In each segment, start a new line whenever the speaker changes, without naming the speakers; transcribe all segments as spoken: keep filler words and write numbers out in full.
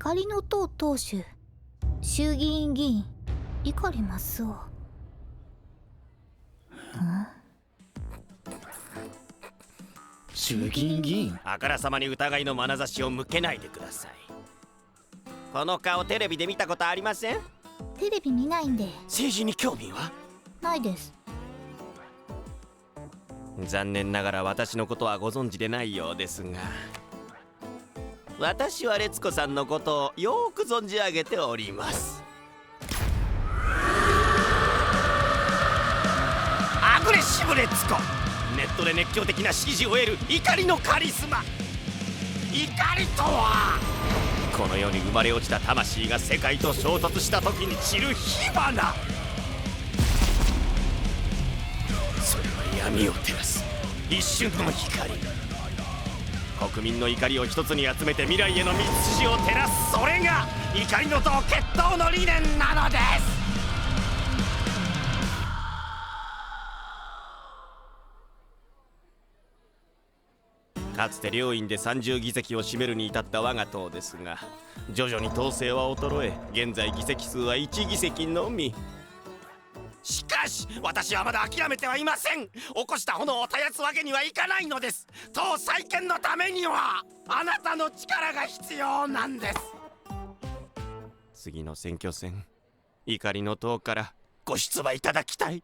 怒りの党党首、衆議院議員碇益夫。
衆議院議員。
あからさまに疑いの眼差しを向けないでください。この顔テレビで見たことありません？
テレビ見ないんで。
政治に興味は
ないです。
残念ながら私のことはご存知でないようですが、私は烈子さんのことをよく存じ上げております。アグレッシブ烈子、ネットで熱狂的な支持を得る怒りのカリスマ。怒りとはこの世に生まれ落ちた魂が世界と衝突した時に散る火花。それは闇を照らす一瞬の光。国民の怒りを一つに集めて未来への道筋を照らす、それが怒りの党決闘の理念なのです。かつて両院でさんじゅう議席を占めるに至った我が党ですが、徐々に統制は衰え、現在議席数はいち議席のみ。しかし私はまだ諦めてはいません。起こした炎を絶やすわけにはいかないのです。党再建のためにはあなたの力が必要なんです。次の選挙戦、怒りの党からご出馬いただきたい。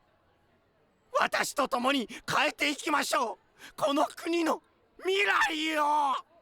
私と共に変えていきましょう、この国の未来を。